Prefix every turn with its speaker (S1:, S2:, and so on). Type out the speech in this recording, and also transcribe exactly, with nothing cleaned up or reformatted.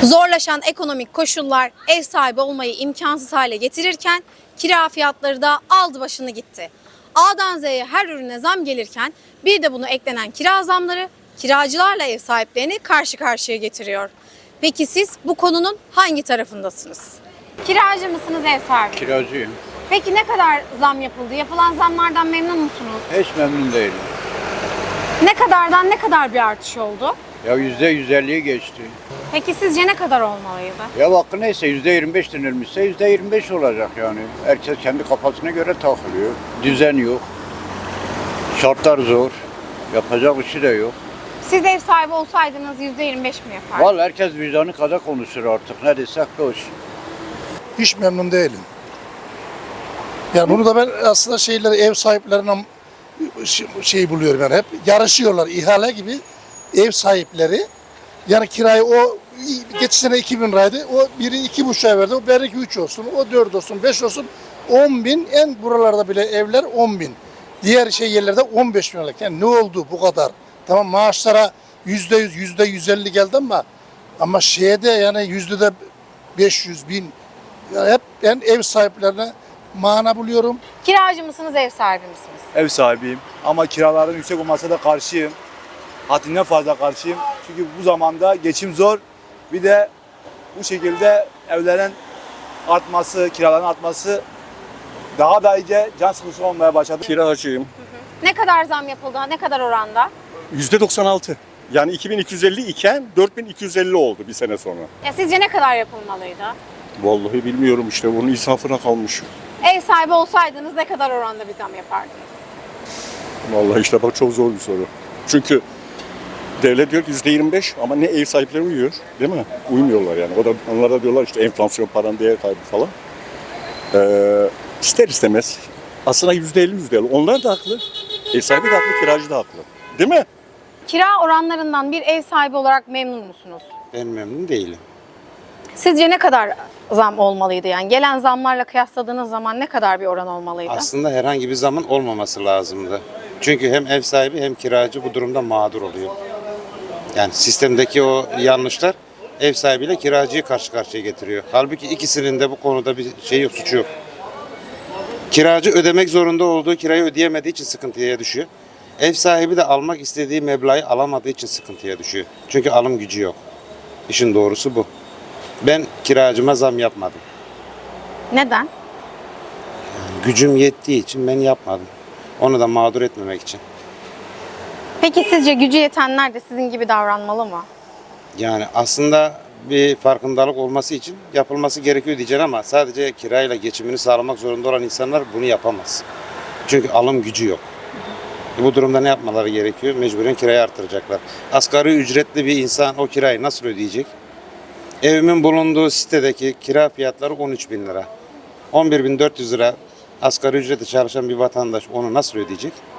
S1: Zorlaşan ekonomik koşullar ev sahibi olmayı imkansız hale getirirken kira fiyatları da aldı başını gitti. A'dan Z'ye her ürüne zam gelirken bir de bunu eklenen kira zamları kiracılarla ev sahiplerini karşı karşıya getiriyor. Peki siz bu konunun hangi tarafındasınız? Kiracı mısınız, ev sahibi?
S2: Kiracıyım.
S1: Peki ne kadar zam yapıldı? Yapılan zamlardan memnun musunuz?
S2: Hiç memnun değilim.
S1: Ne kadardan ne kadar bir artış oldu?
S2: Ya yüzde yüz elliye geçti.
S1: Peki sizce ne kadar olmalıydı?
S2: Ya hakkı neyse yüzde yirmi beş denilmişse yüzde yirmi beş olacak yani. Herkes kendi kafasına göre takılıyor. Düzen yok. Şartlar zor. Yapacak bir şey de yok.
S1: Siz ev sahibi olsaydınız yüzde yirmi beş mi yapardınız?
S2: Vallahi herkes vicdanı kadar konuşur artık. Ne desek boş.
S3: Hiç memnun değilim. Yani bunu da ben aslında şeyleri ev sahiplerine şey buluyorum yani hep yarışıyorlar ihale gibi ev sahipleri. Yani kirayı o geçen sene iki bin liraydı. O biri iki buçuğa verdi. O belki üç olsun. O dört olsun, beş olsun. On bin. En buralarda bile evler on bin. Diğer şey yerlerde on beş bin liralık. Yani ne oldu bu kadar? Tamam maaşlara yüzde yüz, yüzde yüz elli geldi ama ama şeye de yani yüzde de beş yüz bin. Yani hep ben ev sahiplerine mana buluyorum.
S1: Kiracı mısınız, ev sahibi misiniz?
S4: Ev sahibiyim ama kiraların yüksek olmasına da karşıyım. Haddinden fazla karşıyım. Çünkü bu zamanda geçim zor. Bir de bu şekilde evlerin artması, kiraların artması daha da iyice can sıkıntısı olmaya başladı.
S5: Kiracıyım.
S1: Ne kadar zam yapıldı? Ne kadar oranda?
S5: yüzde doksan altı. Yani iki bin iki yüz elli iken dört bin iki yüz elli oldu bir sene sonra.
S1: Ya sizce ne kadar yapılmalıydı?
S5: Vallahi bilmiyorum işte bunun insafına kalmış.
S1: Ev sahibi olsaydınız ne kadar oranda bir zam yapardınız?
S5: Vallahi işte bak çok zor bir soru. Çünkü devlet diyor ki yüzde yirmi beş ama ne ev sahipleri uyuyor değil mi? Uymuyorlar yani. O da onlar da diyorlar işte enflasyon, paranın değer kaybı falan. Ee, ister istemez aslında yüzde elli yüzde elli. Onlar da haklı. Ev sahibi de haklı, kiracı da haklı. Değil mi?
S1: Kira oranlarından bir ev sahibi olarak memnun musunuz?
S6: Ben memnun değilim.
S1: Sizce ne kadar zam olmalıydı? Yani gelen zamlarla kıyasladığınız zaman ne kadar bir oran olmalıydı?
S6: Aslında herhangi bir zaman olmaması lazımdı. Çünkü hem ev sahibi hem kiracı bu durumda mağdur oluyor. Yani sistemdeki o yanlışlar ev sahibiyle kiracıyı karşı karşıya getiriyor. Halbuki ikisinin de bu konuda bir şey yok, suçu yok. Kiracı ödemek zorunda olduğu kirayı ödeyemediği için sıkıntıya düşüyor. Ev sahibi de almak istediği meblağı alamadığı için sıkıntıya düşüyor. Çünkü alım gücü yok. İşin doğrusu bu. Ben kiracıma zam yapmadım.
S1: Neden?
S6: Gücüm yettiği için ben yapmadım. Onu da mağdur etmemek için.
S1: Peki sizce gücü yetenler de sizin gibi davranmalı mı?
S6: Yani aslında bir farkındalık olması için yapılması gerekiyor diyeceğim ama sadece kirayla geçimini sağlamak zorunda olan insanlar bunu yapamaz. Çünkü alım gücü yok. Bu durumda ne yapmaları gerekiyor? Mecburen kirayı artıracaklar. Asgari ücretli bir insan o kirayı nasıl ödeyecek? Evimin bulunduğu sitedeki kira fiyatları on üç bin lira. on bir bin dört yüz lira asgari ücrete çalışan bir vatandaş onu nasıl ödeyecek?